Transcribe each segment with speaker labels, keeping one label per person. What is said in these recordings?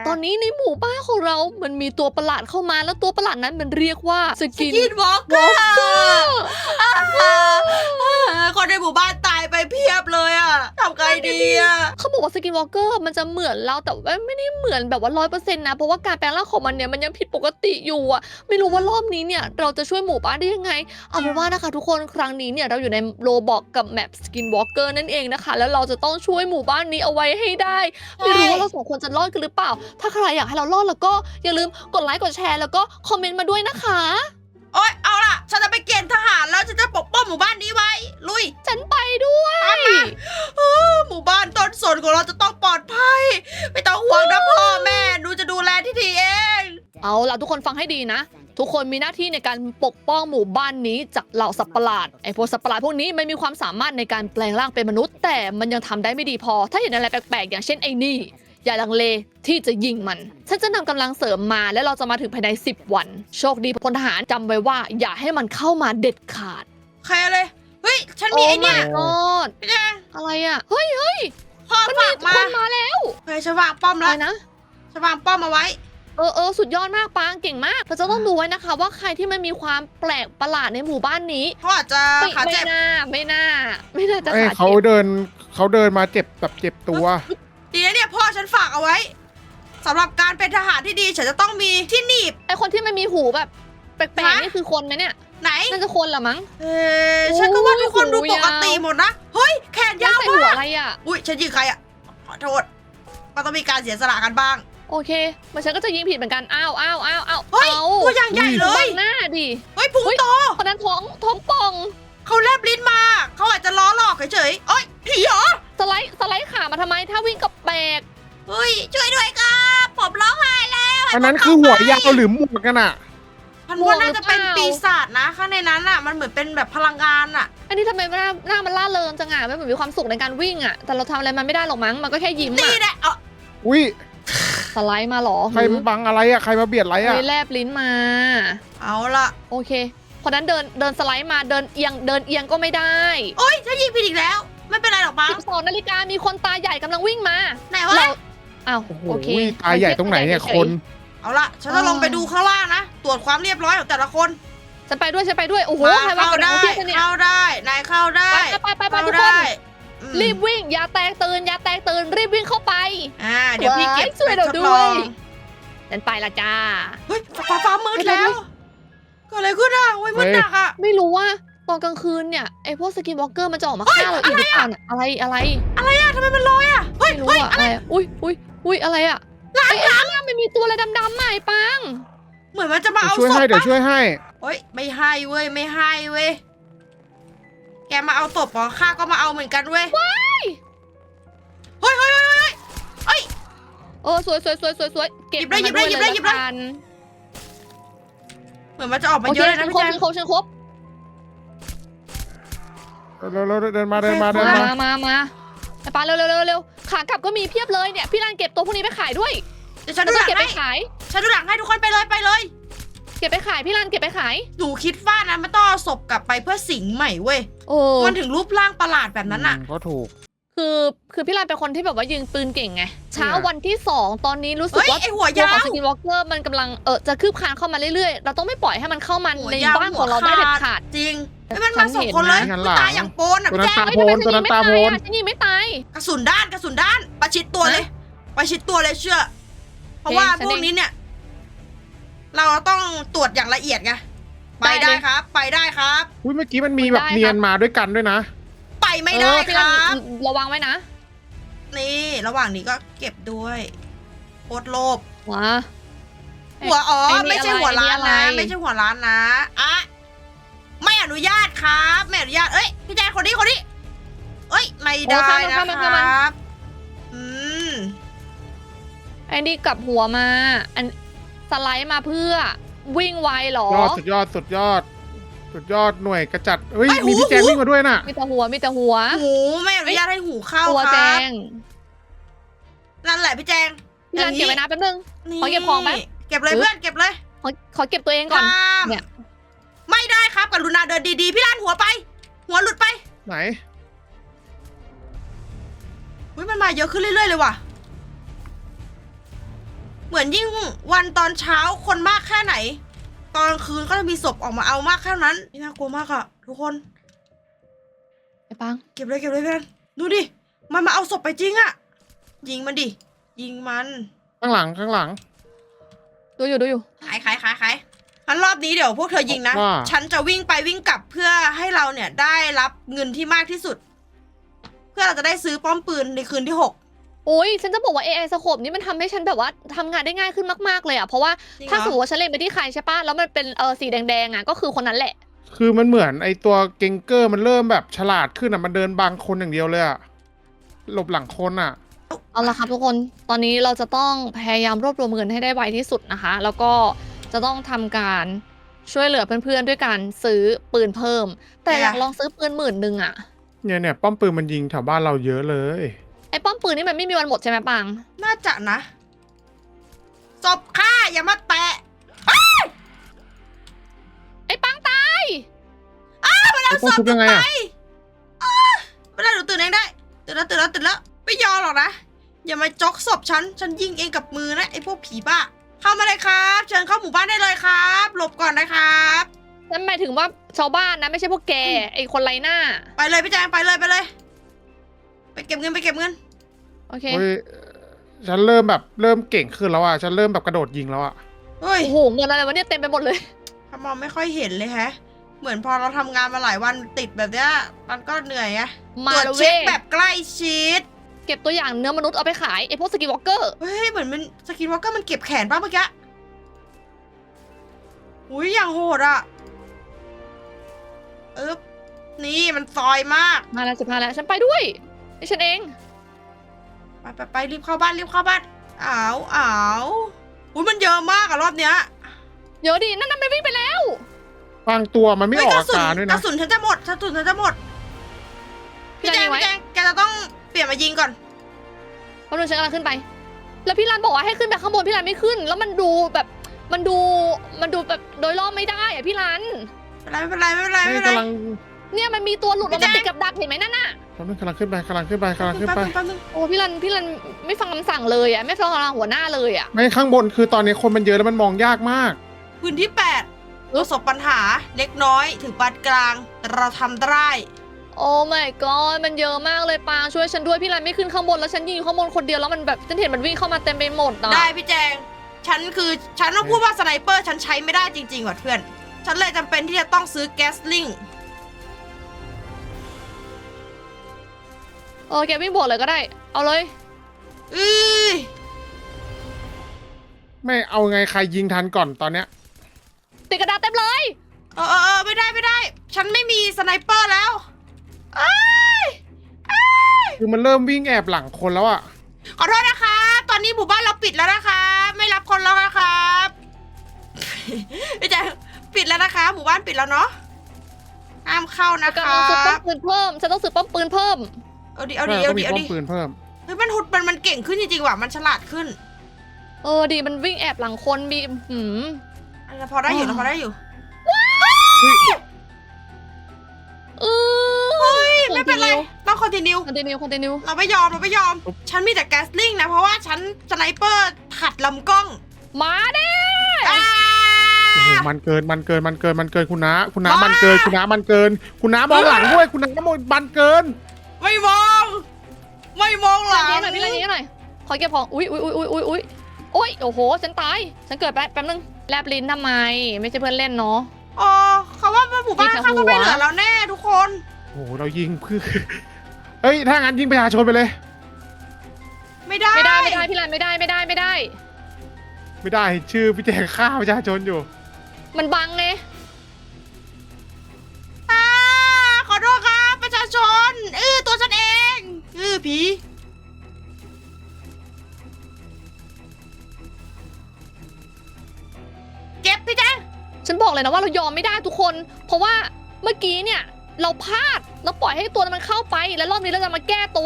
Speaker 1: ตอนนี้ในหมู่บ้านของเรามันมีตัวประหลาดเข้ามาแล้วตัวประหลาดนั้นมันเรียกว่าสกิน
Speaker 2: วอล์กเกอร์คนในหมู่บ้านตายไปเพียบเลยอะทำไงดีอะ
Speaker 1: เขาบอกว่าสกินวอล์กเกอร์มันจะเหมือนเราแต่ว่าไม่ได้เหมือนแบบว่า100%นะเพราะว่าการแปลงร่างของมันเนี่ยมันยังผิดปกติอยู่อะไม่รู้ว่ารอบนี้เนี่ยเราจะช่วยหมู่บ้านได้ยังไงเอาเป็นว่านะคะทุกคนครั้งนี้เนี่ยเราอยู่ในโรบอกกับแมปสกินวอล์กเกอร์นั่นเองนะคะแล้วเราจะต้องช่วยหมู่บ้านนี้เอาไว้ให้ได้ไม่รู้ว่าเราสองคนจะรอดกันหรือเปล่าถ้าใครอยากให้เรารอดแล้วก็อย่าลืมกดไลค์กดแชร์แล้วก็คอมเมนต์มาด้วยนะคะ
Speaker 2: โอ๊ยเอาล่ะฉันจะไปเกณฑ์ทหารแล้วฉันจะปกป้องหมู่บ้านนี้ไว้ลุย
Speaker 1: ฉันไปด้วย
Speaker 2: หมู่บ้านต้นสนของเราจะต้องปลอดภัยไม่ต้องห่วงนะพ่อแม่หนูจะดูแลที่ดีเอง
Speaker 1: เอาล่ะทุกคนฟังให้ดีนะ ทุกคนมีหน้าที่ในการปกป้องหมู่บ้านนี้จากเหล่าสัตว์ประหลาดไอ้พวกสัตว์ประหลาดพวกนี้มันมีความสามารถในการแปลงร่างเป็นมนุษย์ แต่มันยังทำได้ไม่ดีพอ ถ้าเห็นอะไรแปลกๆอย่างเช่นไอ้นี่อย่าลังเลที่จะยิงมันฉันจะนำกำลังเสริมมาและเราจะมาถึงภายใน10 วันโชคดีพลทหารจำไว้ว่าอย่าให้มันเข้ามาเด็ดขาด
Speaker 2: ใครเลยเฮ้ยฉันมีไอ้เนี่ย
Speaker 1: โอ้ my god
Speaker 2: พี่แจง
Speaker 1: อะไรอ่ะเฮ้ย
Speaker 2: พ่อ
Speaker 1: มันมี
Speaker 2: ฝาก
Speaker 1: ค
Speaker 2: มาน
Speaker 1: มาแล้ว
Speaker 2: เฮ้ยฉันวางป้อม
Speaker 1: อะ
Speaker 2: แล้
Speaker 1: ไร
Speaker 2: ว
Speaker 1: นะ
Speaker 2: ฉันวางป้อมเอาไว้
Speaker 1: สุดยอดมากปางเก่งมากเราจะต้องดูไว้นะคะ ว่าใครที่มันมีความแปลกประหลาดในหมู่บ้านนี้
Speaker 2: เขาอาจจะ
Speaker 1: ไม่
Speaker 2: ขาเจ็บ
Speaker 1: ไม่น่าจะ
Speaker 3: เอ้ย
Speaker 1: ขา
Speaker 3: เขา
Speaker 1: เจ็บ
Speaker 3: เดินมาเจ็บแบบเจ็บตัว
Speaker 2: ดีนะเนี่ยพ่อฉันฝากเอาไว้สำหรับการเป็นทหารที่ดีฉันจะต้องมีที่หนีบ
Speaker 1: ไอคนที่มันมีหูแบบแปลก
Speaker 2: ฮะ
Speaker 1: ๆนี่คือคนไหมเนี่ย
Speaker 2: ไหน
Speaker 1: น่าจะคนเหรอมั้ง
Speaker 2: ฉันก็ว่าทุกคนดู
Speaker 1: หู
Speaker 2: ป
Speaker 1: ยาว
Speaker 2: กติหมดนะเฮ้ยแขน
Speaker 1: ยั
Speaker 2: ยาว
Speaker 1: ใส่
Speaker 2: มา
Speaker 1: หัว
Speaker 2: ก
Speaker 1: อะไรอ่ะ
Speaker 2: อุ้ยฉันยิงใครอะขอโทษมันต้องมีการเสียสละกันบ้าง
Speaker 1: โอเคมันฉันก็จะยิงผิดเหมือนกันอ้าว
Speaker 2: เฮ้ยตัวอย่างใหญ่เล
Speaker 1: บั
Speaker 2: ย
Speaker 1: งหน้าดิ
Speaker 2: เฮ้ยพุงโต
Speaker 1: คนนั้นท้องป่อง
Speaker 2: เขาแลบลิ้นมาเขาอาจจะล้อหลอกเฉยๆเอ้ยผีเหรอ
Speaker 1: สไลด์ขามาทำไมถ้าวิ่งกับแปลก
Speaker 2: เฮ้ยช่วยด้วยครับผมร้องไห้แล้ว
Speaker 3: อันนั้นคือหัวยาวหรือหมวกกันอ่ะ
Speaker 2: มันว่าน่าจะเป็นปีศาจนะข้างในนั้นอ่ะมันเหมือนเป็นแบบพลังงานอ่ะ
Speaker 1: อันนี้ทำไมหน้ามันล่าเริงจังอ่ะมันเหมือนมีความสุขในการวิ่งอ่ะแต่เราทำอะไรมันไม่ได้หรอกมั้งมันก็แค่ยิ้ม
Speaker 2: นี่
Speaker 1: อ่ะ
Speaker 2: แหละเอา
Speaker 3: อุ้ย
Speaker 1: สไลด์มาเหรอ
Speaker 3: ใครมาบังอะไรอ่ะใครมาเบียดอะไรอ่ะ
Speaker 1: เลยแลบลิ้นมา
Speaker 2: เอาล่ะ
Speaker 1: โอเคคนนั้นเดินสไลด์มาเดินเอียงก็ไม่ได้
Speaker 2: โอ๊ยฉันยิงผิดอีกแล้ว ไม่เป็นไรหรอกมั้ง
Speaker 1: 12 นาฬิกามีคนตาใหญ่กำลังวิ่งมา
Speaker 2: ไหนวะ
Speaker 1: เราอ้าว
Speaker 3: โอ้โห
Speaker 1: โอเค
Speaker 3: ตาใหญ่ตรงไหนเนี่ยคน
Speaker 2: เอาล่ะฉันจะลงไปดูข้างล่างนะตรวจความเรียบร้อยของแต่ละคน
Speaker 1: ฉันไปด้วยโอ้โห
Speaker 2: มา
Speaker 1: ใครว่า
Speaker 2: เข้า
Speaker 1: คนไหน
Speaker 2: ได้
Speaker 1: เขาเทียบกันเนี่ย
Speaker 2: เข้าได้นายเข้าได้
Speaker 1: ไปทุกคน
Speaker 2: ได้อืม
Speaker 1: รีบวิ่งอย่าแตกตื่นรีบวิ่งเข้าไป
Speaker 2: เดี๋ยวพี่เก็บ
Speaker 1: ช่วยเรา
Speaker 2: ไปท
Speaker 1: ด้
Speaker 2: ล
Speaker 1: ว
Speaker 2: อย ง
Speaker 1: ฉันไปละจ้า
Speaker 2: เฮ้ยฟ้ามืดแล้วเกิดอะไรขึ้นอ่ะโอ้ยมืดหนักอ่ะ
Speaker 1: ไม่รู้ว่าตอนกลางคืนเนี่ยไอพวกสกินวอล์กเกอร์มันจะออกมาฆ่าเราอีกหรือเปล่าน่ะอะไร
Speaker 2: อะไรอ่ะทำไมมันลอยอ่ะเฮ้ย
Speaker 1: ไม่รู้
Speaker 2: เฮ้ย
Speaker 1: อะอะไรอะอุ้ยอะไรอะไอ้ข้างล่างมันมีตัวอะไรดำๆใหม่ปัง
Speaker 2: เหมือนมันจะมาเอา
Speaker 3: ช่วย
Speaker 2: ศพ
Speaker 3: ให้เดี๋ยว
Speaker 2: ปะ
Speaker 3: ช่วยให้
Speaker 2: เฮ้ยไม่ให้เว้ยไม่ให้เว้ยแกมาเอาศพเหรอข้าก็มาเอาเหมือนกันเว้ยเฮ้ยเฮ้ย
Speaker 1: สวยเก็บ
Speaker 2: หยิบเลย
Speaker 1: มา
Speaker 2: หยิบเลย
Speaker 1: ละกัน
Speaker 2: เหมือนมันจะออกมา
Speaker 1: โอ
Speaker 2: เย
Speaker 1: เค
Speaker 2: อะเลยนะพี่แจง
Speaker 1: ฉันครบ
Speaker 3: เร็วเดินมา
Speaker 1: มาไอ้ปาเร็วขากลับก็มีเพียบเลยเนี่ยพี่รันเก็บตัวพวกนี้ไปขายด้วย
Speaker 2: เดี๋ยวฉัน
Speaker 1: แล้
Speaker 2: ดู
Speaker 1: ว
Speaker 2: ห
Speaker 1: ก็
Speaker 2: ลัง
Speaker 1: เก็บไป
Speaker 2: ให้
Speaker 1: ขาย
Speaker 2: ฉันดูหลังให้ทุกคนไปเลยไปเลย
Speaker 1: เก็บไปขายพี่รันเก็บไปขาย
Speaker 2: หนูคิดว่านะมันต้องเอาศพกลับไปเพื่อสิงใหม่เว้ย
Speaker 1: โอ้
Speaker 2: มันถึงรูปร่างประหลาดแบบนั้นอ่ะ
Speaker 3: ก็ถูก
Speaker 1: คือพี่รันเป็นคนที่แบบว่ายิงปืนเก่งไงเช้าวันที่ 2 ตอนนี้รู้สึก
Speaker 2: เฮ้ย
Speaker 1: ว่า
Speaker 2: ไอหัว
Speaker 1: ตัวย
Speaker 2: า
Speaker 1: ของ
Speaker 2: ว
Speaker 1: สกินวอล์กเกอร์มันกำลังจะคืบคลานเข้ามาเรื่อยๆเราต้องไม่ปล่อยให้มันเข้ามา
Speaker 2: หัว
Speaker 1: ใน
Speaker 2: ยาว
Speaker 1: บ้านของเราได้เด็ดขาด
Speaker 2: จริงไม่มันมาสองคนเลย
Speaker 3: ฉันเห็นนะ
Speaker 2: มันตายอย่างโปนอ่ะ
Speaker 3: ตัว
Speaker 2: พี่
Speaker 3: นั้น
Speaker 2: แจ๊ค
Speaker 3: ตาโพนตัวนั้นตาโพน
Speaker 1: ฉันยิงไม่ตาย
Speaker 2: กระสุนด้านประชิดตัวเลยประชิดตัวเลยเชื่อ เพราะว่า
Speaker 1: ฉัน
Speaker 2: พ
Speaker 1: เอง
Speaker 2: วกนี้เนี่ย เราต้องตรวจอย่างละเอียดไงไปได้ครับ ไปได้ครับ
Speaker 3: อุ้ยเมื่อกี้มันมีแบบเนียนมาด้วยกันด้วยนะ
Speaker 2: ไปไม่ได้
Speaker 1: พี่
Speaker 2: ค
Speaker 1: รัน
Speaker 2: รับ
Speaker 1: ระวังไว้นะ
Speaker 2: นี่ระหว่างนี้ก็เก็บด้วยโคตรโลภ
Speaker 1: ว้า
Speaker 2: หัวอ๋อ
Speaker 1: ไอ้นี่
Speaker 2: ไม่ใช่หัวร้าน
Speaker 1: อะไร
Speaker 2: นะไม่ใช่หัวร้านนะอะไม่อนุญาตครับไม่อนุญาตเอ้ยพี่แจ๊คคนนี้เอ้ยไม่ได้นะครับอืม
Speaker 1: ไอ้นี่กลับหัวมาอันสไลด์มาเพื่อวิ่งไวเหรอ
Speaker 3: สุดยอดหน่วยกระจัดเฮ้ยมีพี่แจงวิ่งมาด้วยน่ะ
Speaker 1: มีแต่หัว
Speaker 2: หูไม่อนุญาตให้หูเข้า
Speaker 1: ตัว
Speaker 2: ค
Speaker 1: แจ
Speaker 2: รับ
Speaker 1: ง
Speaker 2: นั่นแหละพี่แจง
Speaker 1: พี่รันเก็บไว้นะแป๊บนึง
Speaker 2: นี่
Speaker 1: ขอเก็บของไหม
Speaker 2: เก็บเลยเพื่อนเก็บเลย
Speaker 1: ขอเก็บตัวเองก่อน
Speaker 2: ข้าม
Speaker 1: เนี่ย
Speaker 2: ไม่ได้ครับกรุณาเดินดีๆพี่ล้านหัวไป หัวหลุดไป
Speaker 3: ไหน
Speaker 2: เฮ้ยมันมาเยอะขึ้นเรื่อยๆเลยว่ะเหมือนยิ่งวันตอนเช้าคนมากแค่ไหน ตอนกลางคืนก็จะมีศพออกมาเอามากแค่นั้นนี่น่ากลัวมากอะทุกคน
Speaker 1: ไอ้ปัง
Speaker 2: เก็บเลยเพื่อนดูดิมันมาเอาศพไปจริงอะยิงมันดิยิงมัน
Speaker 3: ข้างหลังข้างหลัง
Speaker 1: ดูอยู่
Speaker 2: ขายงั้นรอบนี้เดี๋ยวพวกเธอยิงนะ
Speaker 3: ว่า
Speaker 2: ฉันจะวิ่งไปวิ่งกลับเพื่อให้เราเนี่ยได้รับเงินที่มากที่สุด เพื่อเราจะได้ซื้อป้อมปืนในคืนที่
Speaker 1: โอ้ยฉันจะบอกว่า AI สโคปนี้มันทำให้ฉันแบบว่าทำงานได้ง่ายขึ้นมากๆเลยอ่ะเพราะว่า
Speaker 2: จริงเหรอ
Speaker 1: ถ้าสมมติว่าฉันเล็งไปที่ใครใช่ปะแล้วมันเป็นสีแดงๆอ่ะก็คือคนนั้นแหละ
Speaker 3: คือมันเหมือนไอตัวเกงเกอร์มันเริ่มแบบฉลาดขึ้นอ่ะมันเดินบังคนอย่างเดียวเลยอ่ะหลบหลังคนอ่ะ
Speaker 1: เอาละครับทุกคนตอนนี้เราจะต้องพยายามรวบรวมเงินให้ได้ไวที่สุดนะคะ แล้วก็จะต้องทำการช่วยเหลือเพื่อนๆด้วยการซื้อปืนเพิ่ม แต่อยากลองซื้อปืน10,000อ่ะ
Speaker 3: เนี่ยป้อมปืนมันยิงแถวบ้านเราเยอะเลย
Speaker 1: ไอ้ป้อมปืนนี่มันไม่มีวันหมดใช่ไหมปัง
Speaker 2: 6น่าจะนะศพฆ่าอย่ามาแตะ
Speaker 1: ไอ้ปังตาย
Speaker 2: มันเอา
Speaker 3: ต้อง
Speaker 2: ศพ
Speaker 3: ชุบยังไงอ่ะ
Speaker 2: ไม่ได้หนูตื่นเองได้ตื่นแล้วไม่ยอมหรอกนะอย่ามาจกศพฉันยิงเองกับมือนะไอ้พวกผีบ้าเข้ามาเลยครับเชิญเข้าหมู่บ้านได้เลยครับหลบก่อนนะครับ
Speaker 1: นั่นหมายถึงว่าชาวบ้านนะไม่ใช่พวกแกไอ้คนไร้หน้า
Speaker 2: ไปเลยพี่แจงไปเลยไปเก็บเงิน
Speaker 1: โอเค
Speaker 3: เฮ้ยฉันเริ่มเก่งขึ้นแล้วอ่ะฉันเริ่มแบบกระโดดยิงแล้วอ่ะ
Speaker 2: เฮ้ย
Speaker 1: โอ้โหเงินอะไรวะเนี่ยเต็มไปหมดเลย
Speaker 2: ถ้ามองไม่ค่อยเห็นเลยแฮะ เหมือนพอเราทำงานมาหลายวันติดแบบเนี้ยมันก็เหนื่อยไง
Speaker 1: มา
Speaker 2: ตรวจ
Speaker 1: แล้ว
Speaker 2: เช็
Speaker 1: เว้
Speaker 2: ค
Speaker 1: ย
Speaker 2: แบบใกล้ชิด
Speaker 1: เก็บตัวอย่างเนื้อมนุษย์เอาไปขายไอ้พวกสกินวอล์กเกอร์
Speaker 2: เฮ้ยเหมือนมันสกินวอล์กเกอร์มันเก็บแขนป่ะเมื่อกี้อุ้ยอย่างโหดอ่ะนี่มันซอยมาก
Speaker 1: มาแล้ว15แล้วฉันไปด้วยไอ้ฉันเอง
Speaker 2: ไปรีบเข้าบ้านอ้าวอุ้ยมันเยอะมากอะรอบเนี้ย
Speaker 1: เดี๋ยวดินั่นมันวิ่งไปแล้ว
Speaker 3: บางตัวมันไม่
Speaker 2: เฮ้
Speaker 3: ออก
Speaker 2: กระ
Speaker 3: อา
Speaker 2: สุน
Speaker 3: การด้วย
Speaker 2: ก
Speaker 3: นะ
Speaker 2: ระสุนฉันจะหมดพี่แจงแกจะต้องเปลี่ยนมายิงก่อน
Speaker 1: เพราะนึงฉันกำลังขึ้นไป แล้วพี่รันบอกว่าให้ขึ้นไปข้างบนพี่รันไม่ขึ้น แล้วมันดูแบบมันดูแบบโดยรอบไม่ได้อะพี่รัน
Speaker 2: ไม่เป็นไร
Speaker 3: นี่กำลัง
Speaker 1: เนี่ยมันมีตัวหลุดออกมาติดกับดักเห็นไหมนั่นน่ะ
Speaker 3: กำลังขึ้นไป
Speaker 2: แป๊บนึง
Speaker 1: โอ้พี่รันไม่ฟังคำสั่งเลยอะไม่ฟังคำสั่งหัวหน้าเลยอะ
Speaker 3: ไม่ข้างบนคือตอนนี้คนมันเยอะแล้วมันมองยากมาก
Speaker 2: พื้นที่8ประสบปัญหาเล็กน้อยถึงปานกลางแต่เราทำได้
Speaker 1: โอ้ my god มันเยอะมากเลยปางช่วยฉันด้วยพี่รันไม่ขึ้นข้างบนแล้วฉันยืนอยู่ข้างบนคนเดียวแล้วมันแบบฉันเห็นมันวิ่งเข้ามาเต็มไปหมดอะ
Speaker 2: ได้พี่แจงฉันต้องพูดว่าสไนเปอร์ฉันใช้ไม่ได้จริงๆว่ะเพื่อนฉันเลยจำเป็นที่จะต้องซื้อแก๊สลิง
Speaker 1: แกวิ่งบวกเลยก็ได้ เอาเลย
Speaker 3: ไม่เอาไงใครยิงทันก่อนตอนเนี้ย
Speaker 1: ติดกระดาษเต็มเลย
Speaker 2: ไม่ได้ฉันไม่มีสไนเปอร์แล้วเอ้ย
Speaker 3: คือมันเริ่มวิ่งแอบหลังคนแล้วอ่ะ
Speaker 2: ขอโทษนะคะตอนนี้หมู่บ้านเราปิดแล้วนะคะไม่รับคนแล้วนะครับ พี่แจงปิดแล้วนะคะหมู่บ้านปิดแล้วเนาะห้ามเข้านะ
Speaker 1: กำ
Speaker 2: คะ
Speaker 1: ลังซื้อป้อมปืนเพิ่มฉันต้องซื้อป้อมปืนเพิ่ม
Speaker 2: เอาดิ
Speaker 3: ต้องมีป้อมปืนเพิ่ม
Speaker 2: เฮ้ยมันเก่งขึ้นจริงๆว่ะมันฉลาดขึ้น
Speaker 1: ดีมันวิ่งแอบหลังคนมี
Speaker 2: พอได้อยู่นะพอได้อยู่ เฮ้ยไม่เป็นไรต้องคอนติเนีย
Speaker 1: คอนติเนีย
Speaker 2: เราไม่ยอมฉันมีแต่แก๊สลิงนะเพราะว่าฉันสไนเปอร์ขัดลำกล้อง
Speaker 1: มาเด้
Speaker 3: โอ้โหมันเกินคุณน้ามันเกินคุณน้ามองหลังด้วยคุณน้ามองมันเกิน
Speaker 2: ไม่มองหลัง
Speaker 1: พี่รันนี้หน่อยขอเก็บของอุ้ยโอ้โหฉันตายฉันเกิดแป๊บนึงแลบลิ้นทำไมไม่ใช่เพื่อนเล่นเนาะ
Speaker 2: อ๋อเขาว่าหมู่บ้านข้างก็ไม่เหลือแล้วแน่ทุกคน
Speaker 3: โอ้โหเรายิงเพื่อเฮ้ยถ้างั้นยิงประชาชนไปเลย
Speaker 2: ไม่ได้
Speaker 1: พี่รันไม่ได้
Speaker 3: ไม่ได้ชื่อพี่แจงฆ่าประชาชนอยู่
Speaker 1: มันบังไง
Speaker 2: ขอโทษครับประชาชนตัวฉันเองผีเจ็บพี่แจ๊ค
Speaker 1: ฉันบอกเลยนะว่าเรายอมไม่ได้ทุกคน เพราะว่าเมื่อกี้เนี่ยเราพลาดเราปล่อยให้ตัวมันเข้าไปแล้วรอบนี้เราจะมาแก้ตัว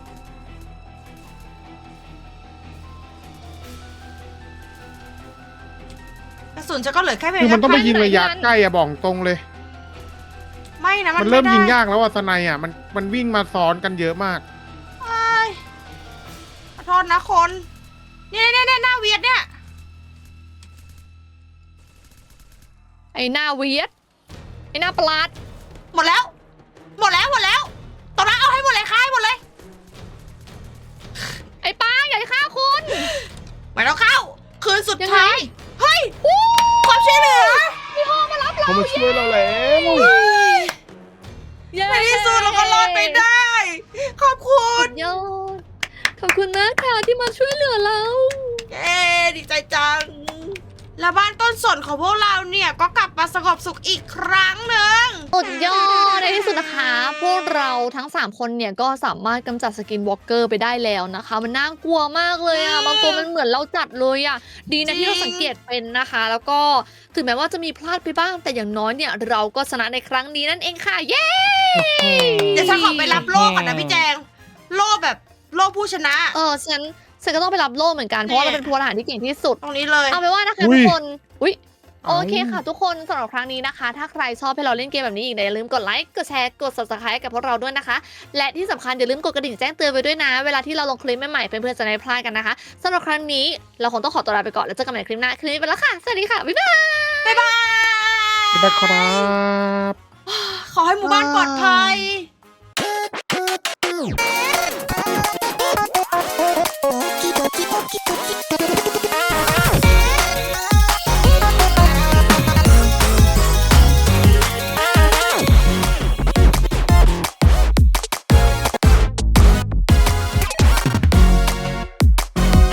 Speaker 2: กระสุนฉันก็เหลือแค่เพีย
Speaker 3: คือมันต้องไปยิง
Speaker 1: ไหน
Speaker 3: ระยะ
Speaker 1: กัน
Speaker 3: ใกล้อะบอกตรงเลย
Speaker 2: ไม่นะ
Speaker 3: มันเริ่ม
Speaker 2: ไได้
Speaker 3: ยิงยากแล้วอะสไนอะมันวิ่งมาซ้อนกันเยอะมาก
Speaker 2: ขอโทษนะคนเนี่ยหน้าเวียดเนี่ย
Speaker 1: ไอ้หน้าเวียดไอ้หน้าประหลาด
Speaker 2: หมดแล้วตอนนั้นเอาให้หมดเลยค่ะให้หมดเลย
Speaker 1: ไอ้ป้าอย่าฆ่าคุณ
Speaker 2: ไม่ต้องเข้า คืนสุด
Speaker 1: ยังไง
Speaker 2: ท้าย เฮ้ยความช่วยเหลือ
Speaker 1: พี่พ่อมารับเรา
Speaker 3: เขามาช่วยเราแล้ว
Speaker 1: เย้
Speaker 2: ในที่สุดเราก็รอดไปได้ ขอบคุ
Speaker 1: สุ
Speaker 2: ณ
Speaker 1: ดยอดขอบคุณนะค่ะที่มาช่วยเหลือเรา
Speaker 2: เย้ดีใจจัง แล้วบ้านต้นสนของพวกเราเนี่ยก็กลับมาสงบสุขอีกครั้งหนึ่ง
Speaker 1: สุดยอดในที่สุดนะคะ พวกเราทั้ง 3 คนเนี่ยก็สามารถกำจัดสกินวอล์กเกอร์ไปได้แล้วนะคะ มันน่ากลัวมากเลยอะบางตัวมันเหมือนเราจัดเลยอะดีนะที่เราสังเกตเป็นนะคะ แล้วก็ถึงแม้ว่าจะมีพลาดไปบ้าง แต่อย่างน้อยเนี่ยเราก็ชนะในครั้งนี้นั่นเองค่ะ เย้
Speaker 2: เดี๋ยวฉันขอไปรับโล่ก่อนนะพี่แจง โล่แบบโล่ผู้ชนะ
Speaker 1: ฉันก็ต้องไปรับโล่เหมือนกันเพราะว่าเราเป็นพลทหารที่เก่งที่สุด
Speaker 2: ตรงนี้เลย
Speaker 1: เอาไปนว่านะคะ
Speaker 3: อุ๊
Speaker 1: ทุ
Speaker 3: ย
Speaker 1: กคนอุ๊ย
Speaker 3: เอา
Speaker 1: โอเคค่ะทุกคนสำหรับครั้งนี้นะคะ ถ้าใครชอบให้เราเล่นเกมแบบนี้อีกอย่าลืมกดไลค์กดแชร์กด subscribe กับพวกเราด้วยนะคะ และที่สำคัญอย่าลืมกดกระดิ่งแจ้งเตือนไปด้วยนะ เวลาที่เราลงคลิปใหม่ๆเพื่อนๆจะได้ไม่พลาดกันนะคะสำหรับครั้งนี้เราคงต้องขอตัวลาไปก่อนแล้วเจอกันใหม่คลิปหน้าคลิปนี้ไปแล้วค่ะสวัสดีค่ะบ๊ายบาย
Speaker 2: บ๊ายบาย
Speaker 3: สวัสดีครับ
Speaker 2: ขอให้หมู่บ้านปลอดภัย
Speaker 4: ドキドキドキドキドキ